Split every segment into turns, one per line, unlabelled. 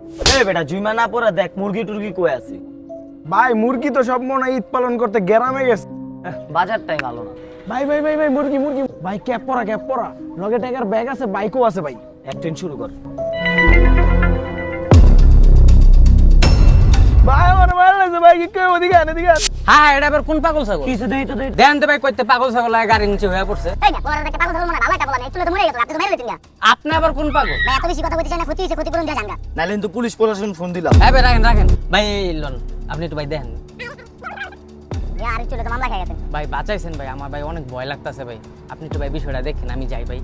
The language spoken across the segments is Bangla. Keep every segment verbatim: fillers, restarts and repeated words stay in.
এই বেটা জুইমা না পড়া দেখ মুরগি টুরগি কই আছে।
ভাই মুরগি তো সব মনে হয় ঈদ পালন করতে গ্রামে গেছে।
এহ, বাজারটাই ভালো না।
ভাই ভাই ভাই ভাই মুরগি মুরগি ভাই ক্যাপ পরা ক্যাপ পরা লগে টাকার ব্যাগ আছে বাইকও আছে ভাই।
অ্যাক্টিং শুরু কর।
ভাই আমার মার লাগছে ভাই কি কই ওদিকে আন এদিকে আন।
হ্যাঁ এটা আবার কোন পাগল ছাগল?
কিছু দেই তো দেই।
দেন তো ভাই কইতে পাগল ছাগল লাগে গাড়ির নিচে হয়ে পড়ছে।
এই না পরে দেখতে পাগল ছাগল মানে ভালো একটা বলা নেই চলে তো মরে গেল আপনি তো মেরে দিতেন না
আপনি আবার কোন পাগল?
ভাই এত বেশি কথা বলতে চাই না ক্ষতি হইছে ক্ষতিপূরণ দেয়া জানগা
নাইলে কিন্তু পুলিশ প্রশাসন ফোন দিলাম।
হ্যাঁ ভাই রাখেন রাখেন ভাই এই লন আপনি একটু ভাই দেখেন
ইয়া আর চলে তো মামলা খাই গেছেন
ভাই বাঁচাইছেন ভাই আমার ভাই অনেক ভয় লাগতাছে ভাই আপনি একটু ভাই বিষয়টা দেখেন আমি যাই ভাই।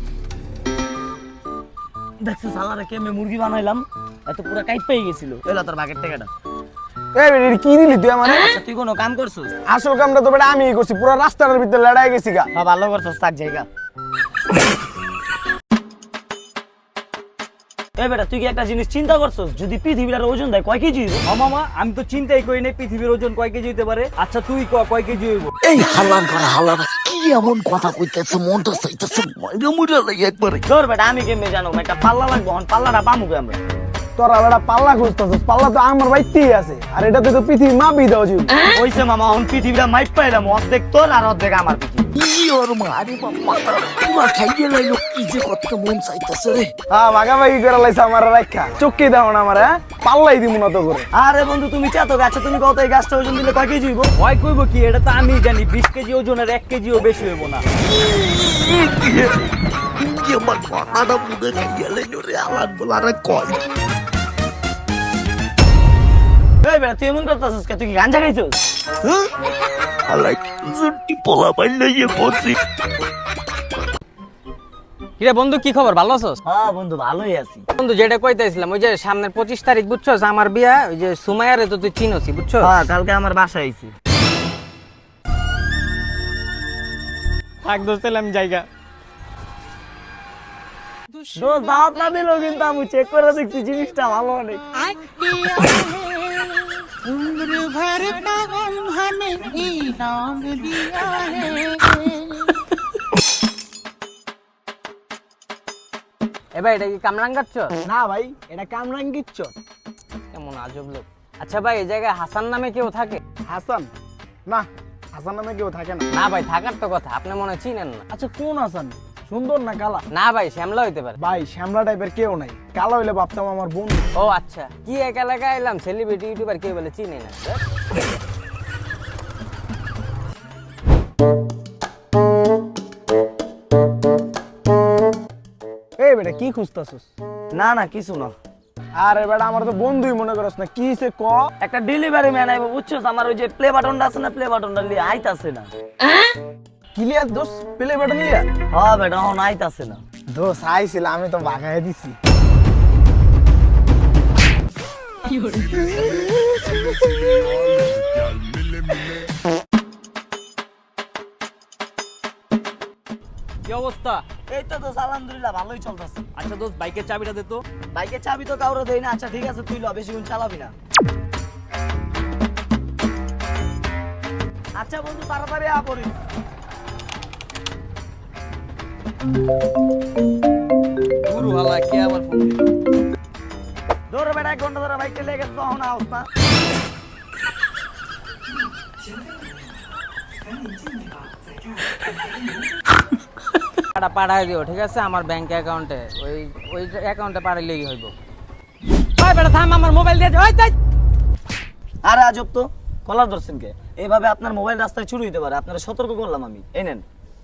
দেখছিস সালারে কেমনে মুরগি বানাইলাম এত পুরো কাইট পেয়ে গেছিল। এলা তোর বাকের টাকাটা।
এই বেটা কি দিলি তুই আমারে?
আচ্ছা তুই কোনো কাম করছিস?
আসল কামটা তো বেটা আমিই করছি পুরো রাস্তার ভিতরে লড়াই গেছি গা।
বা ভালো করছিস তার জায়গা। এই বেটা তুই কি একটা জিনিস চিন্তা করছিস যদি পৃথিবীর ওজন দেয় কয় কেজি হইব?
ও মামা আমি তো চিন্তাই করি নাই পৃথিবীর ওজন কয় কেজি হইতে পারে। আচ্ছা তুই ক কয় কেজি হইব?
এই হালার করা হালার কি এমন কথা কইতেছে মনটা চাইতেছে ময়রা মুড়া লাগে একবারে।
ধর বেটা আমি কেমনে জানো একটা পাল্লা লাগবো হন পাল্লাটা পামুকে আমরা।
তোরা বেটা পাল্লা খুঁজতেছিস পাল্লা তো আমার বাইতেই আছে আর এটাতে তো পৃথিবী মাপি দাও জি।
ওইসে মামা হন পৃথিবীটা মাইপ পাইলাম অর্ধেক তোর আর অর্ধেক আমার পৃথিবী।
ই ওর মারি মাথা পুরা খাইয়ে লাইলো কি যে কত মন চাইতেছে রে।
হ্যাঁ ভাগাভাগি করে লাইছে আমার রাখা চুক্কি দাও না আমার হ্যাঁ পাল্লাই দিব না তো করে।
আরে বন্ধু তুমি চাতো গাছে তুমি কত এই গাছটা ওজন দিলে কয় কেজি হইব?
ভয় কইব কি এটা তো আমি জানি বিশ কেজি ওজনের এক কেজিও বেশি হইব না।
কি আমার মাথাটা পুরো খাইয়ে লাইলো রে হালার বলারে কয়।
এই বেটা তুই এমন করতেছিস কে তুই কি গাঞ্জা খাইছিস?
হালাই জুটি পোলা পাইলে ইয়ে পড়ছি।
কিরে বন্ধু কি খবর ভালো আছোস?
হ্যাঁ বন্ধু ভালোই আছি।
বন্ধু যেটা কইতেছিলাম ওই যে সামনের পঁচিশ তারিখ বুঝছস আমার বিয়া ওই যে সুমাইয়ারে তো তুই চিনোসি বুঝছস?
হ্যাঁ কালকে আমার বাসায় আইছি।
থাক দোস্ত আমি জায়গা
দোস্ত দাওয়াত না দিলেও কিন্তু আমি চেক করে দেখছি জিনিসটা ভালো অনেক।
এ ভাই এটা কি কামরাঙ্গাচ্ছ?
না ভাই এটা কামরাঙ্গিচ্ছ।
কেমন আজব লোক। আচ্ছা ভাই এই জায়গায় হাসান নামে কেউ থাকে?
হাসান না হাসান নামে কেউ থাকে না।
না ভাই থাকার তো কথা আপনি মনে হয় চিনেন না।
আচ্ছা কোন হাসান সুন্দর না কালা?
না ভাই শ্যামলা হইতে পারে।
ভাই শ্যামলা টাইপের কেউ নাই কালা হইলে ভাবতাম আমার বন্ধু।
ও আচ্ছা কি এক এলাকায় এলাম সেলিব্রিটি ইউটিউবার কেউ বলে চিনি না।
এই বেটা কি খুঁজতাছিস?
না না কিছু না।
আরে বেটা আমার তো বন্ধুই মনে করছ না কি সে ক।
একটা ডেলিভারি ম্যান আইবো বুঝছস আমার ওই যে প্লে বাটনটা আছে না প্লে বাটনটা লিয়ে আইতাছে না।
ক্লিয়ার দোস প্লে বাটন লিয়া।
হ্যাঁ বেটা হন আইতাছে না।
দোস আইছিল আমি তো ভাগায় দিছি।
কি অবস্থা?
এই তো দোস্ত আলহামদুলিল্লাহ ভালোই চলতেছে।
আচ্ছা দোস্ত বাইকের চাবিটা দে তো।
বাইকের চাবি তো কাউরে দেই না। আচ্ছা ঠিক আছে তুই ল বেশিক্ষণ চালাবি না। আচ্ছা বন্ধু তাড়াতাড়ি আ পড়ি।
গুরু হালা কে আবার ফোন দিল?
ধরে বেটা এক ঘন্টা ধরে বাইকটা লেগে গেছে তখন আওস না।
টাকা পাঠাই দিও ঠিক আছে আমার ব্যাংক অ্যাকাউন্টে ওই ওই অ্যাকাউন্টে পাঠাইলেই হইব। ভাই বেটা থাম আমার মোবাইল দিয়ে ওই যাই।
আরে আজব তো কলার ধরছেন কে? এইভাবে আপনার মোবাইল রাস্তায় চুরি হইতে পারে আপনারা সতর্ক করলাম আমি। এই নেন।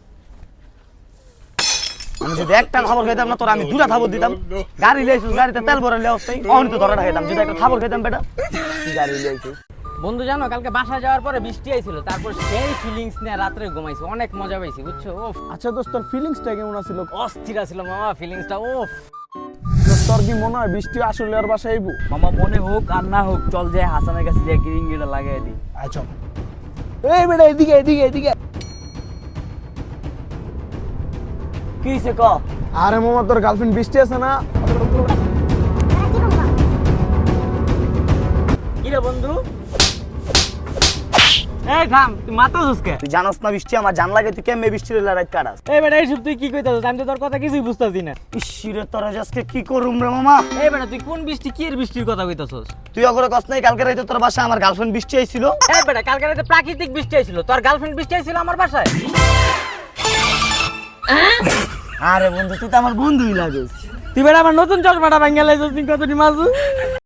আমি যদি একটা খবর খাইতাম না তোর আমি দুটা খবর দিতাম। গাড়ি লাইছিস গাড়িতে তেল ভরে অবস্থায় অহনি তো ধরে খাইতাম যদি একটা খবর খাইতাম বেটা। কি গাড়ি লাইছিস?
বন্ধু জানো কালকে বাসা যাওয়ার পরে বৃষ্টি আইছিল তারপর সেই ফিলিংস নিয়ে রাত্রে ঘুমাইছি অনেক মজা পাইছি বুঝছো। ওফ
আচ্ছা দোস্ত তোর ফিলিংসটা কেমন আছিল?
অস্থির ছিল মামা ফিলিংসটা। ওফ
দোস্ত তোর কি মনে হয় বৃষ্টি আসলে আর বাসায় আইবো?
মামা মনে হোক আর না হোক চল যে হাসানের কাছে যে গিরিঙ্গিটা লাগাই দি।
আচ্ছা এই বেটা এদিকে এদিকে এদিকে।
কি হইছে ক?
আরে মামা তোর গার্লফ্রেন্ড বৃষ্টি আছে না?
কি রে বন্ধু?
এই থাম তুই মাথা ঝুসকে
তুই জানোস না বৃষ্টি আমার জান লাগে তুই কেমনে বৃষ্টির লড়াই কাটাস
এই বেটা এইসব তুই কি কইতাছিস আমি তো তোর কথা কিছুই বুঝতাছি না
ইসিরে তোরা আজকে কি করুম রে মামা
এই বেটা তুই কোন বৃষ্টি কি এর বৃষ্টির কথা কইতাছস
তুই অগরে কস নাই কালকে রাইতে তোর বাসায় আমার গার্লফ্রেন্ড বৃষ্টি আইছিল
এই বেটা কালকে রাতে প্রাকৃতিক বৃষ্টি আইছিল তোর গার্লফ্রেন্ড বৃষ্টি আইছিল আমার বাসায়
আরে বন্ধু তুই তো আমার বন্ধুই লাগিস
তুই বেটা আমার নতুন চশমাটা ভাঙা লাইছিস তুই কতটি মাসু